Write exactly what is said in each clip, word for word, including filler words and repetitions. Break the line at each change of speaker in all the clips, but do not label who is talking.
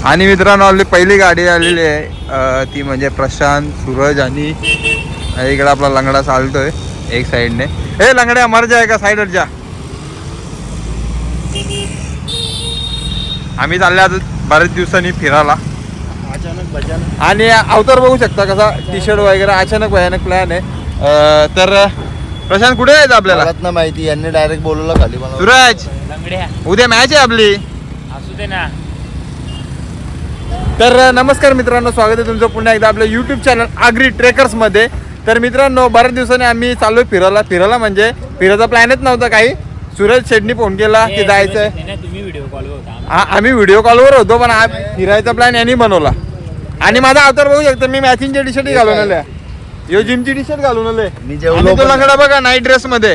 आणि मित्रांनो आपली पहिली गाडी आलेली आहे, ती म्हणजे प्रशांत, सूरज आणि इकडे आपला लंगडा चालतोय एक साईडने. ए लंगड्या मर जाय का साईडवर जा. आम्ही चालले आज बरेच दिवसांनी फिरायला.
अचानक भजन
आणि अवतार बघू शकता कसा टी शर्ट वगैरे अचानक भयानक प्लॅन आहे. तर प्रशांत कुठे जायचं आपल्याला
ना माहिती, यांनी डायरेक्ट बोलवलं खाली मला.
सूरज उद्या मॅच आहे आपली.
असू दे ना.
तर नमस्कार मित्रांनो, स्वागत आहे तुमचं पुन्हा एकदा आपल्या यूट्यूब चॅनल आगरी ट्रेकर्समध्ये. तर मित्रांनो बऱ्याच दिवसांनी आम्ही चाललोय फिरायला. फिरायला म्हणजे फिरायचा प्लॅनच नव्हता काही. सूरज शेटनी फोन केला की जायचंय.
तुम्ही व्हिडिओ कॉलवर होता.
हा आम्ही व्हिडिओ कॉलवर होतो, पण हा फिरायचा प्लॅन यांनी बनवला. आणि माझा अवतार बघू शकतो, मी मॅचिंगचे टी शर्ट घालून आले. यो जिमची टी शर्ट घालून आले.
मी जेवलो
तो लंगडा बघा नाईट ड्रेस मध्ये.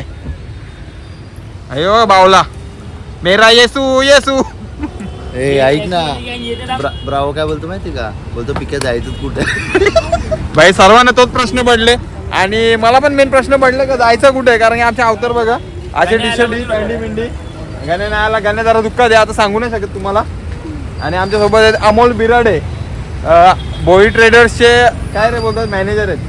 अयो बावला मेरा येसू येसू.
ए ऐक ना, ब्रा, ब्रावो काय बोलतो माहिती का, बोलतो पिके जायचं कुठे.
भाई सर्वांना तोच प्रश्न पडले आणि मला पण मेन प्रश्न पडले का जायचं कुठे. कारण की आमच्या अवतार बघा असे टी शर्ट पॅन्टी पिंडी. गाणे नाही आला, गाणे जरा दुःख द्या आता सांगू नाही शकत तुम्हाला. आणि आमच्या सोबत आहेत अमोल बिराडे, भोई ट्रेडर्सचे काय रे बोलतात मॅनेजर आहेत.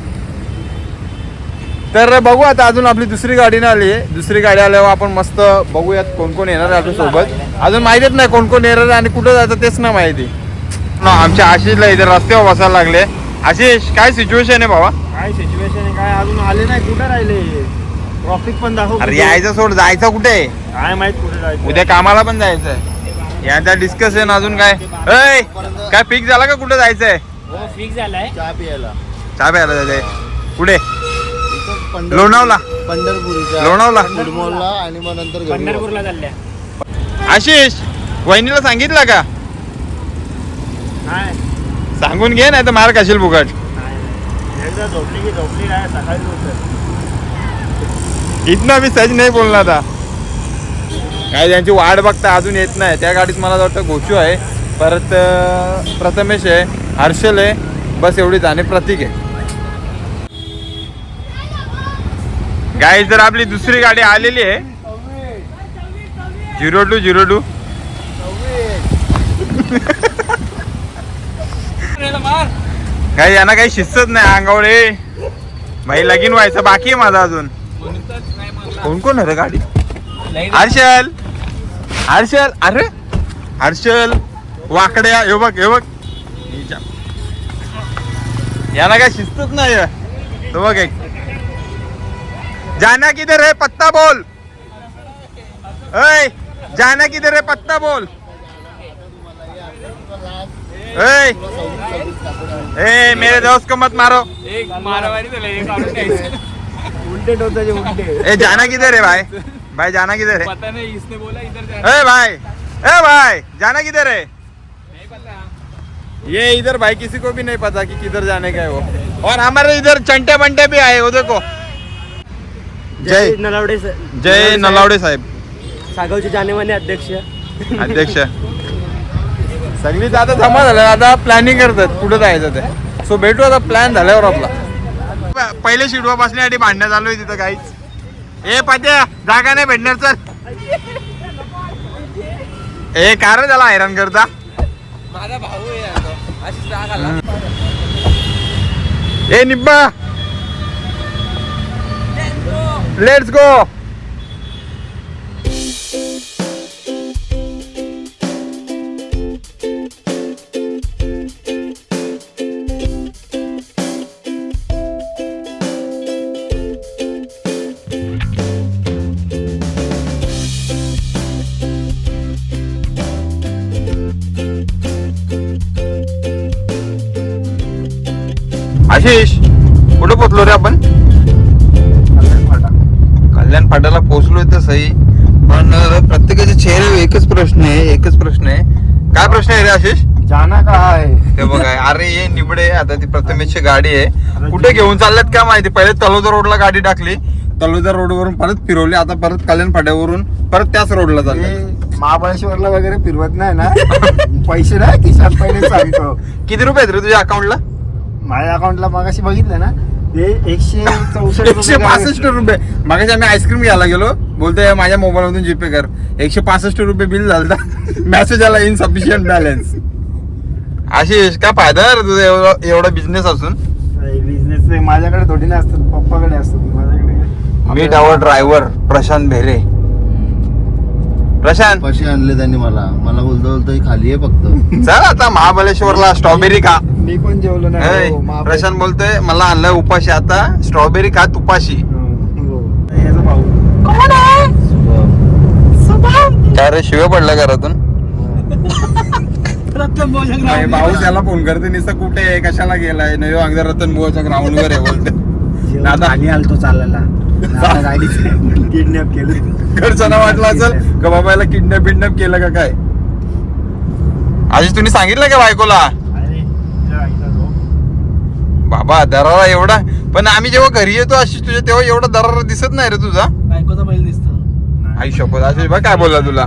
तर बघू आता अजून आपली दुसरी गाडी ना आली आहे. दुसरी गाडी आल्यावर आपण मस्त बघूयात कोण कोण येणार आहे आपल्या सोबत. अजून माहितीच नाही कोण कोण येणार आहे आणि कुठं जायचं तेच ना माहिती. आमच्या आशिषला इथे रस्त्यावर बसायला लागले. आशिष काय सिच्युएशन आहे बाबा?
काय सिच्युएशन आहे, काय अजून आले नाही, कुठे राहिले. ट्रॉफिक पण दाखव.
अरे यायचं सोड, जायचं कुठे?
काय माहित कुठे जायचं.
उद्या कामाला पण जायचंय. यांचा डिस्कशन अजून काय ऐ काय फिक्स झाला का कुठे जायचंय?
हो फिक्स झालाय.
चहा पियाला.
चहा प्यायला जायचंय. कुठे?
पंढरपूर-
लोणावळा.
पंढरपूरच्या
लोणावळा.
कुडमोलला आणि मग नंतर घरी.
पंढरपूरला चालल्या.
आशिष वहिनीला सांगितलं का?
काय
सांगून घे नाही तर मार खाशील फुकट.
एकदा झोपली की झोपली नाही, सकाळी उठत.
इथनं मी सहज नाही बोलणार आता. काय त्यांची वाट बघता अजून येत नाही. त्या गाडीत मला वाटतं घोषू आहे, परत अं, प्रथमेश आहे, हर्षल आहे, बस एवढीच आणि प्रतीक आहे. गाईज जर आपली दुसरी गाडी आलेली आहे झिरो टू झिरो टू. काही यांना काही शिस्तच नाही अंगावर. ए भाई लगीन व्हायचं बाकी आहे माझा अजून. कोण कोण आहे रे गाडी? हर्षल हर्षल अरे हर्षल वाकड्या हे बघ हे बघ. यांना काय शिस्तच नाही. तो बघ एक जाना किधर है पत्ता बोल. ऐ जाना किधर है पत्ता बोल. ऐ ए मेरे दोस्त को मत मारो.
एक मारामारी झाली, एक काढून घ्यायचं.
उलटे टोचाचे उलटे.
ए जाना किधर है भाई? भाई जाना किधर है?
पता नहीं, इसने बोला इधर जाना.
ए भाई ए भाई जाना किधर है?
नहीं पता.
ये इधर भाई किसी को भी नहीं पता कि किधर जाने का है वो. और हमारे इधर चंटे बंटे भी आए वो देखो. जय
नलावडे
जय नलावडे साहेब,
सागावचे जानेमाने अध्यक्ष.
अध्यक्ष. सगळीच आता जमा झालं, आता प्लॅनिंग करतात कुठं जायचं ते. सो भेटू आता प्लॅन झाल्यावर आपला. पहिले शिडवा बसण्यासाठी भांडणं चालू आहे तिथं काहीच. ए पात्या जागा नाही भेटणार चल. ए कार त्याला हैराण करता.
माझा भाऊ आहे अशी राग आला.
ए निब्बा लेट्स गो. आशिष कुठे पोहोचलो रे आपण? कल्याण फाट्याला पोहोचलोय तर सही, पण प्रत्येकाचे चेहरे एकच प्रश्न आहे. एकच प्रश्न आहे. काय प्रश्न आहे रे आशिष?
जाना का आहे
ते बघा. अरे ये निबडे आता ती प्रथमेशची गाडी आहे. कुठे घेऊन चालल्यात काय माहिती. पहिले तलोदर रोडला गाडी टाकली, तलोदर रोडवरून परत फिरवली, आता परत कल्याण फाट्यावरून परत त्याच रोडला चालले.
महाबळेश्वरला वगैरे फिरवत नाही ना. पैसे नाही खिशात पहिले सांगतो.
किती रुपये आहेत रे तुझ्या अकाउंटला?
माझ्या अकाउंटला मागाशी बघितलं ना, ते एकशे चौसष्ट
एकशे पासष्ट रुपये. मागाशी आम्ही आईस्क्रीम घ्यायला गेलो, बोलतोय माझ्या मोबाईल मधून जीपे कर. एकशे पासष्ट रुपये बिल झालं. मेसेज आला इनसफिशियंट बॅलन्स. आशिष काय फायदा नाही रे तुझा एवढा एवढा बिझनेस असून.
बिझनेस माझ्याकडे थोडी नाही असतात, पप्पाकडे असतात. माझ्याकडे
मीट आवर ड्रायव्हर प्रशांत भेरे. प्रशांत
पैसे आणले त्यांनी मला मला बोलतो बोलतो ही खाली आहे फक्त.
चल आता महाबळेश्वरला स्ट्रॉबेरी खा.
मी पण जेवलो
ऐ,
नाही हो, महाबळेश्वर.
प्रशांत बोलतोय मला आणलाय उपाशी आता स्ट्रॉबेरी खा तुपाशी.
हो. याचा भाऊ
काय रे शिवे पडला घरातून. नाही, भाऊ त्याला फोन करते निसं कुठे आहे कशाला गेलाय नाही अगदी रतन बुवाच्या ग्राउंड वर आहे बोलते. दादा
खाली आलतो चालायला किडनॅप केलं.
घरच्यांना वाटलं असेल का बाबा याला किडनॅप बिडनॅप केलं का काय. आधी तुम्ही सांगितलं का बायकोला.
अरे जरा ऐका तो.
बाबा दरारा एवढा पण आम्ही जेव्हा घरी येतो अशी तुझ्या तेव्हा एवढा दरारा दिसत नाही रे तुझा.
बायकोचा बैल दिसतो.
आई शपथ अशी बघ काय बोलला तुला.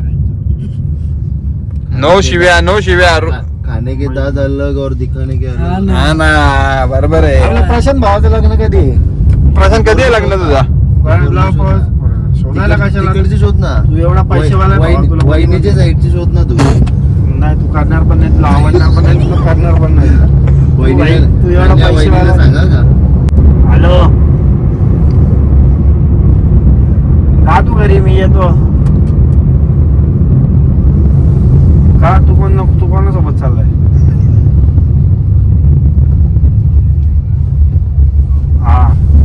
नो शिव्या नो शिव्या.
खाणे के दाद अलग और दिखाने के अलग.
हा ना बरोबर आहे.
आपलं प्रशांत भावाचं लग्न कधी आहे?
प्रशांत कधी आहे लग्न तुझा.
शोधायला कशाला
तिकडची शोध ना.
तू एवढा पैसेवाला आहे भावा, तुला
वहिनीच्या साईडची शोध ना तू.
नाही तू करणार पण नाही, तुला आवडणार पण नाही, तुला करणार पण नाही.
वहिनीला-
तू एवढा
त्या
पैसेवाला
वहिनीला सांगा का.
हॅलो का तू घरी मी येतो का. तू कोण तू कोणासोबत चाललाय. हा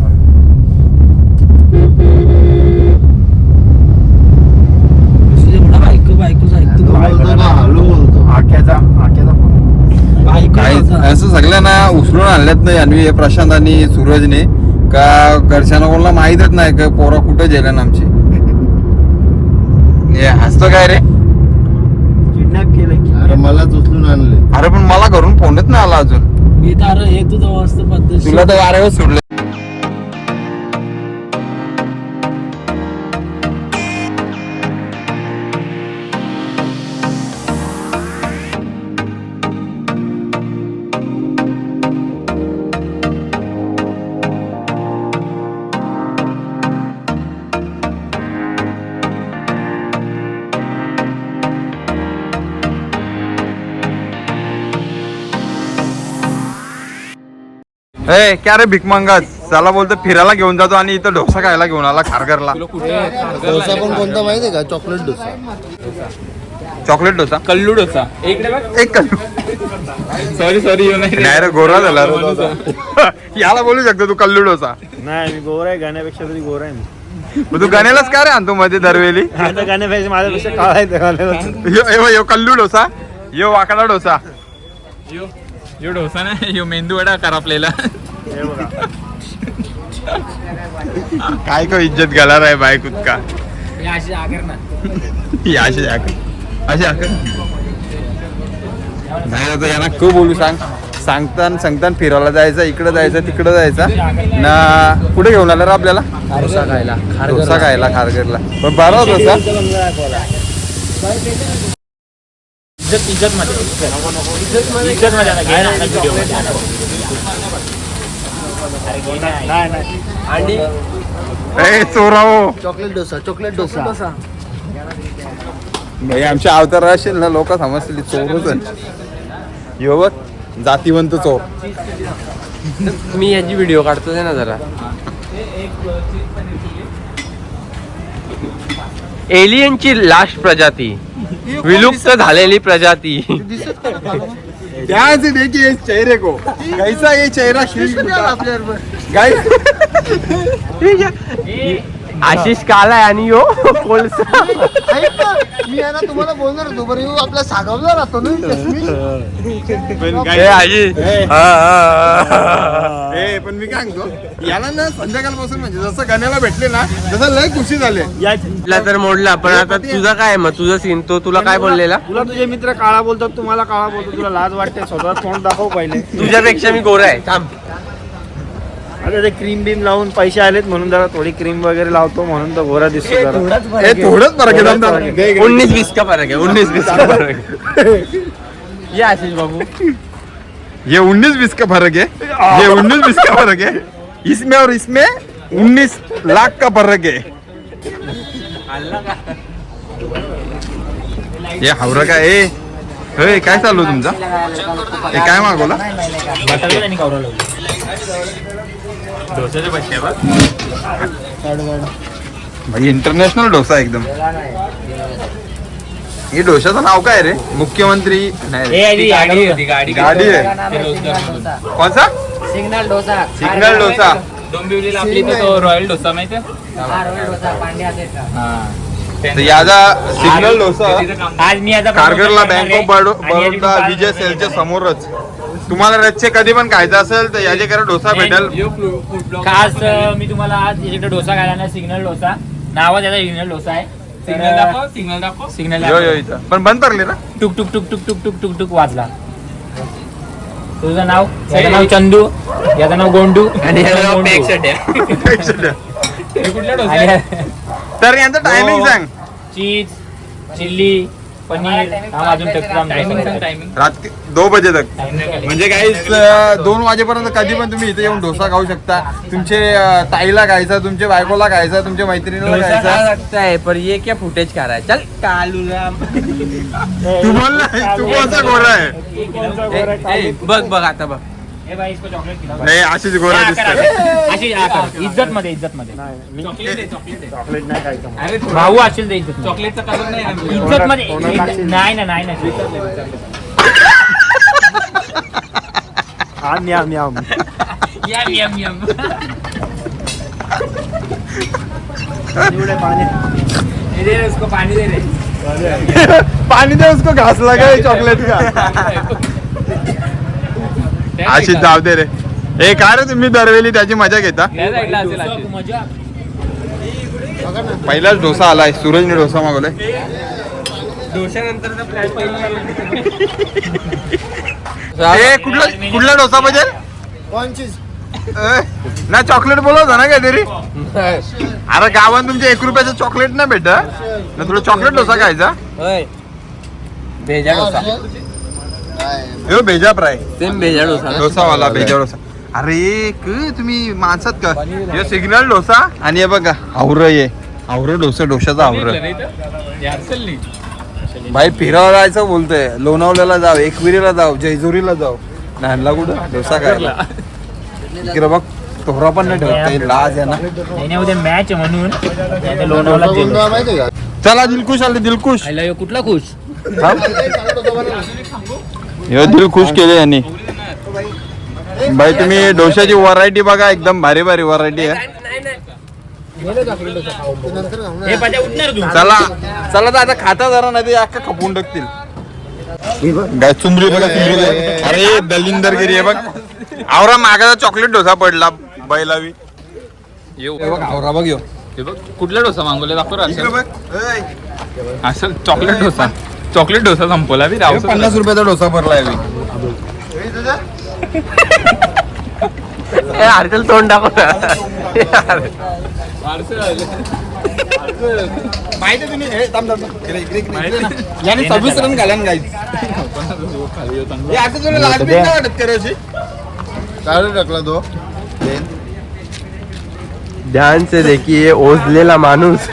बायको बायकोच ऐकतो
तू बोलतो ना हळू बोलतो.
आक्याचा आक्याचा फोन.
काय असं सगळ्यांना उचलून आणल्यात नाही अन्वी प्रशांत आणि सूरजने का घरच्यांना कोणाला माहीतच नाही का पोरा कुठे गेल्या ना आमची. हे हसतो काय रे.
किडनॅप केलं
अरे मलाच उचलून आणले.
अरे पण मला घरून फोनच नाही आला अजून.
मी तर हे तुझं मस्त पद्धत
तुला तर वाऱ्यावर सोडलं. ए क्या रे भिक मंगाच चला बोलतो फिरायला घेऊन जातो आणि इथं डोसा खायला घेऊन आला खारघरला.
डोसा पण कोणता माहितीये का. चॉकलेट डोसा.
चॉकलेट डोसा
कल्लू डोसा एक
एक कल्लू.
सॉरी सॉरी
नाही रे गोरा झाला रे तो. याला बोलू शकतो तू कल्लू डोसा.
नाही मी गोरा आहे, गाण्यापेक्षा तरी गोरा आहे मी.
मग तू गाण्यालाच काय रे आणतो मध्ये दरवेळी.
आता गाण्यापेक्षा माझ्यापेक्षा काळा आहे त्या गाण्याला.
यो यो यो कल्लू डोसा यो वाकडा डोसा.
यो यो डोसा ना यो मेंदू वडा करापलेला.
हे बघा
काय को इज्जत घाला आहे बाय खुद का.
अशी आगर ना
ही अशी आकर अशी आकर नाही आता यांना खूप बोलू सांग सांगताना सांगताना फिरायला जायचं इकडं जायचं तिकडं जायचं ना. कुठे घेऊन आला रे आपल्याला
डोसा खायला
डोसा खायला खारघरला. पण बरा होता डोसा.
इज्जत इज्जत मध्ये इज्जत मध्ये ना घे ना व्हिडिओ
नाही नाही
आणि
ए चोराओ
चॉकलेट डोसा चॉकलेट डोसा.
भाई आमच्या अवतार असेल ना लोक समजतील चोरच आहे. यो बघ जातीवंत चोर.
मी याची व्हिडिओ काढतो ना जरा. एलियनची लास्ट प्रजाती विलुप्त झालेली प्रजाती.
ध्यान से देखिए इस चेहरे को कैसा ये चेहरा गाइस.
आशिष काला आहे आणि यो कोळसा.
मी आहे ना तुम्हाला बोलणार होतो बरं ह्यो आपला सागावला राहतो ना.
ए आजी हा, हा, हा. ए पण मी काय सांगतो याला ना संध्याकाळपासून म्हणजे जसं गाण्याला भेटले ना तसं लय खुशी झाले.
तुला तर मोडला पण आता तुझा काय मग तुझा सीन तो तुला काय बोललेला.
तुला तुझे मित्र काळा बोलतात, तुम्हाला काळा बोलतो. तुला लाज वाटते स्वतः तोंड दाखव पहिले.
तुझ्यापेक्षा मी गोरा आहे थांब.
आता ते क्रीम बीम लावून पैसे आलेत म्हणून जरा थोडी क्रीम वगैरे लावतो म्हणून तर गोरा दिसतो जरा.
ए थोडंच फरक आहे दमदार. दे इकडे.
उन्नीस बीस का फरक है उन्नीस बीस का फरक है. ये आशीष बाबू
ये उन्नीस बीस का फर्क है. ये उन्नीस बीस का फर्क है. इसमें और इसमें उन्नीस लाख का फर्क है. ये हावरा का ए हे काय चालू तुमचा हे काय मागवलं
बटाटा त्यांनी कवरा लावली डोस्याचे पैसे बघ
भाई इंटरनॅशनल डोसा एकदम हे डोशाचं नाव काय रे मुख्यमंत्री नाही
ए आधी गाडी होती गाडी
गाडी आहे कोणचा
सिग्नल डोसा
सिग्नल डोसा
डोंबिवलीला आपली इथे तो रॉयल डोसा माहिती आहे
हा रोल डोसा पांड्या सेटचा
तर याचा सिग्नल डोसा
आज मी आता
कारगरला बँक ऑफ बडो- बडोदा विजय सेलच्या समोरच तुम्हाला रच्चे कधी पण खायचं असेल तर याच्याकडे डोसा भेटेल
खास अं, मी तुम्हाला आज इकडे डोसा खायला ना सिग्नल डोसा नावाच याचा सिग्नल डोसा आहे सिग्नल दाखव सिग्नल दाखव सिग्नल
यो यो इथं पण बंद पडले ना
टुक टुक टुक टुक टुक टुक टुक टुक वाजला तुझं नाव याचं नाव चंदू याचं नाव गोंडू आणि याचं नाव
तर यांचं टायमिंग सांग
चीज चिल्ली पनीर हा अजून टायमिंग
रात्री दो बजे तक म्हणजे काही दोन वाजेपर्यंत कधी पण तुम्ही इथे येऊन डोसा खाऊ शकता तुमचे अं, ताईला खायचा तुमच्या बायकोला खायचा तुमच्या मैत्रिणीला खायचा
लगता है पर ये क्या फुटेज खा रहा है चल कालू राम
तू बोल ना, तू कोणचा गोरा आहे
ए, ए, बघ बघ आता बघ
हे बाई इसको चॉकलेट खिलाओ
नाही अशीच गोरा
हा,
दिसतात
करा. अशी हा, करा. इज्जत मध्ये इज्जत मध्ये
चॉकलेट नाही खायचं
भाऊ असेल ते इज्जत चॉकलेटचा कलर नाही इज्जत मध्ये नाही ना नाही ना
आम yum yum
yum yum yum
एवढे पाणी
दे रे उसको पानी दे रे
पाणी दे उसको घास लगा चॉकलेट का अशी जाऊ दे रे हे काय रे तुम्ही दरवेळी त्याची मजा घेता
मजा
पहिलाच डोसा आलाय सूरजने डोसा मागवलाय ए कुठला कुठला डोसा पाहिजे ए, ना चॉकलेट बोलवता ना काहीतरी अरे गावात तुमच्या एक रुपयाचं चॉकलेट नाही भेट ना तुला चॉकलेट डोसा खायचा
होय भेजा डोसा
हो भेजा फ्राय
सेम भेजा डोसा
डोसावाला भेजा डोसा अरे क तुम्ही माणसात का हे सिग्नल डोसा आणि हे बघा आवरं ये आवरं डोसा डोशाचा आवरं भाई फिरायला जायचं बोलतोय लोणावल्याला जाव एकविरीला जाव जयजुरीला जाव नानला कुठं डोसा खायला इकडे बघ तोहरा पण नाही ठेवत लाज आहे ना
नाही उद्या मॅच आहे म्हणून नाही तर लोणावळा गेलो.
चला दिलखुश आले दिलखुश
आयला ह्यो कुठला खुश
हे दिलखुश केले यांनी भाई तुम्ही डोशाची व्हरायटी बघा एकदम भारी भारी व्हरायटी आहे
हे पाजा उठणार तू
चला चला तर आता खाता जरा नाही ते अख्खा खपून टाकतील गाय चुंबरी बघा चुंबरी बघा. अरे दलिंदरगिरी आहे बघ आवरा मागाचा चॉकलेट डोसा पडला बैलावी हे बघ आवरा बघ यो
कुठला डोसा मागवले दाखव
इकडे बघ ऐ,
असं चॉकलेट डोसा चॉकलेट डोसा संपवला बी
हे पन्नास रुपयाचा डोसा भरलाय मी हे तुझं?
हरकल तोंड दाखव
माहिती तुम्ही हे थांब थांब थांब. इकडे, इकडे, इकडे, इकडे ना. याने सव्वीस रन घाला ना गाईज हे आता तुला लाज बीज नाही वाटत करायची
काय टाकला तो
ध्यान से देखिए ओझलेला माणूस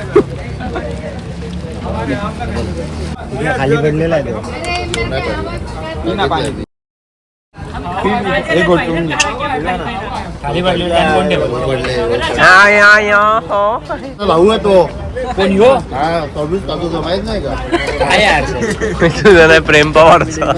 खाली पडलेला आहे तो.
हे गोठून घे.
खाली पडलेलं आहे, कोण ठेवलं?
भाऊ आहे तो
कोण ह्यो?
हा सव्वीस ताजूचा माहित नाही का
काय यार
तुझा प्रेम पवारचा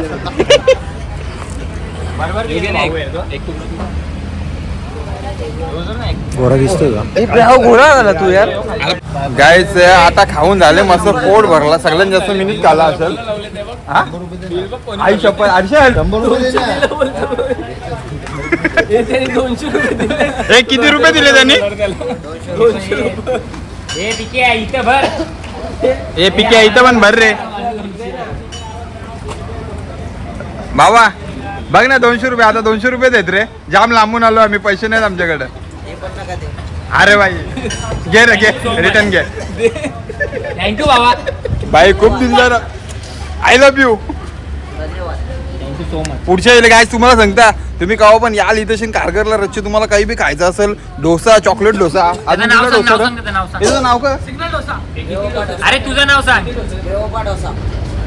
गोरा दिसतोय का
घोडा झाला तू यार
गाईच आता खाऊन झाले मस्त पोट भरला सगळ्यात जास्त मिनिट खाला असेल हा? आई शपथ अर्षल
शंभर रुपये दे ना.
हे किती रुपये दिले त्यांनी
हे पिके आहे, इथं भर
हे पिके इथं पण भर रे बाबा बघ ना दोनशे रुपये आता दोनशे रुपये देत रे जाम लांबून आलो आम्ही पैसे नाहीत आमच्याकडे अरे भाई घे रे घे रिटर्न घे
थँक्यू बाबा
भाई खूप दिलदार I love you
thank you so much
पुढच्या वेळेला काय तुम्हाला सांगता तुम्ही कावा पण याल इथं कारगरला रच्चे तुम्हाला काही बी खायचं असेल डोसा चॉकलेट डोसा अजून
नाव
कुठला
सांग,
डोसा
नाव सांग, नाव सांग.
याचं नाव का
सिग्नल डोसा अरे तुझं नाव सांग
देवोबा डोसा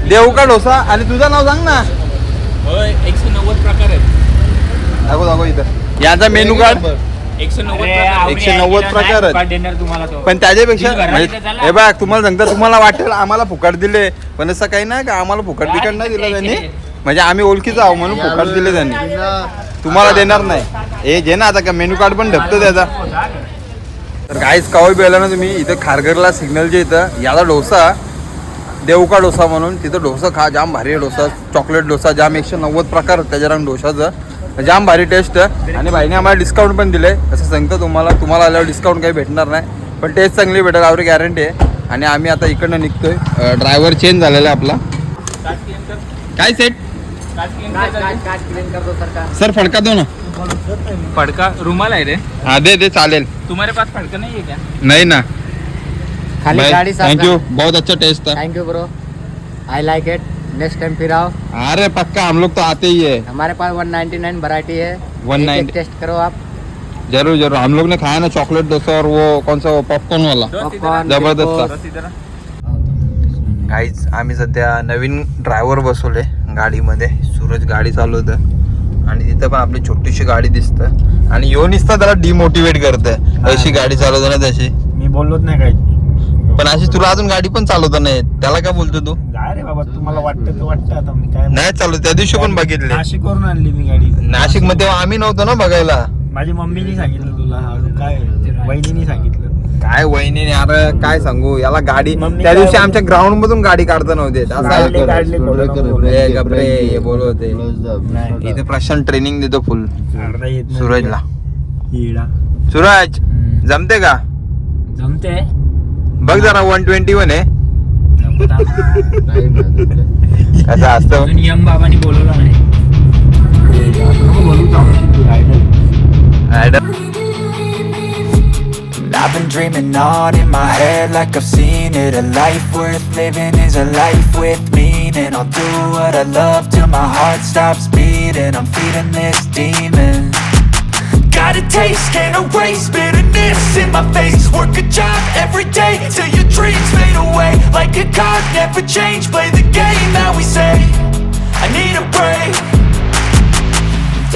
देऊ का डोसा आणि तुझं नाव सांग ना.
एकशे नव्वद प्रकार आहेत.
दाखव दाखव इथं याचा मेनू कार्ड
एकशे नव्वद
एकशे नव्वद प्रकार आहेत.
देणार तुम्हाला तो.
पण त्याच्यापेक्षा
तुम्ही घरात
म्हणजे-
इथं चला.
हे बघ तुम्हाला सांगता तुम्हाला वाटेल आम्हाला फुकट दिले पण असं काही नाही का आम्हाला फुकट बिकट नाही दिलं त्यांनी म्हणजे आम्ही ओळखीचं आहो म्हणून फुकट दिले त्यांनी तुम्हाला देणार नाही. हे घे ना आता का मेनू कार्ड पण ढपतो त्याचा. तर काहीच कवाई बेला ना तुम्ही इथं खारघरला सिग्नलच्या इथं याला डोसा देवका डोसा म्हणून तिथं डोसा खा जाम भारी आहे डोसा. चॉकलेट डोसा जाम एकशे नव्वद प्रकार त्याच्या रंग डोशाचं जाम भारी टेस्ट. आणि भाईने आम्हाला डिस्काउंट पण दिले असं सांगतो तुम्हाला तुम्हाला आल्यावर डिस्काउंट काही भेटणार नाही पण टेस्ट चांगली भेटेल आवडी गॅरंटी आहे. आणि आम्ही आता इकडनं निघतोय. ड्रायव्हर चेंज झालेला आहे आपला. काय सेट
क्लीन कर दो सरकार.
सर फडका दो ना.
फडका रुमाल आहे रे.
हा दे दे चालेल.
तुम्हारे पास फडका नहीं है क्या?
नाही ना
खाली गाड़ी साफ
थँक्यू बहुत अच्छा टेस्ट था.
Thank you bro. I like it. Next time फिर आओ.
अरे पक्का हम लोग तो आते ही है.
हमारे पास वन नाइन्टी नाइन वैरायटी है.
वन
एक-
नाइन्टी
एक टेस्ट करो आप.
जरूर जरूर हम लोग ने खाया ना चॉकलेट डोसा और वो कौन सा पॉपकॉर्न वाला
पॉपकॉर्न
जबरदस्त था.
बस इधर.
काहीच आम्ही सध्या नवीन ड्रायव्हर बसवले गाडीमध्ये. सूरज गाडी चालवतं आणि तिथं पण आपली छोटीशी गाडी दिसतं आणि यो निसता त्याला डिमोटिवेट करतं अशी गाडी चालवतो ना तशी.
मी बोललोच नाही काही.
पण अशी तुला अजून गाडी पण चालवता नाही येत. त्याला काय बोलतो तू.
काय रे बाबा तुम्हाला वाटतं तर वाटतं आता मी काय
नाही चालू त्या दिवशी पण बघितले
नाशिकवरून आणली मी गाडी.
नाशिक मध्ये तेव्हा आम्ही नव्हतो ना बघायला.
माझी मम्मीनी सांगितलं तुला अजून काय वहिनीनी सांगितलं.
काय वहिनी अरे काय सांगू याला गाडी
मम्मी
त्या
काय
दिवशी
बोलते?
आमच्या ग्राउंड मधून गाडी काढता नव्हते असं
काढले,
ऐकलं.
काढले, कोणाला
ए, गप्रे, हे बोलवते. इथे प्रशांत ट्रेनिंग देतो फुल
अर्धा येत नाही.
सूरजला.
हिडा.
सूरज जमते का
जमते.
बघ जरा वन ट्वेंटी वन आहे कसं असतं.
अजून यम बाबांनी बोलवलं नाही.
Adam
I've been dreaming on in my head like I've seen it. A life worth living is a life with meaning. I'll do what I love till my heart stops beating. I'm feeding this demon. Got a taste, can't erase bitterness in my face. Work a job every day till your dreams fade away. Like a card, never change. Play the game that we say. I need a break.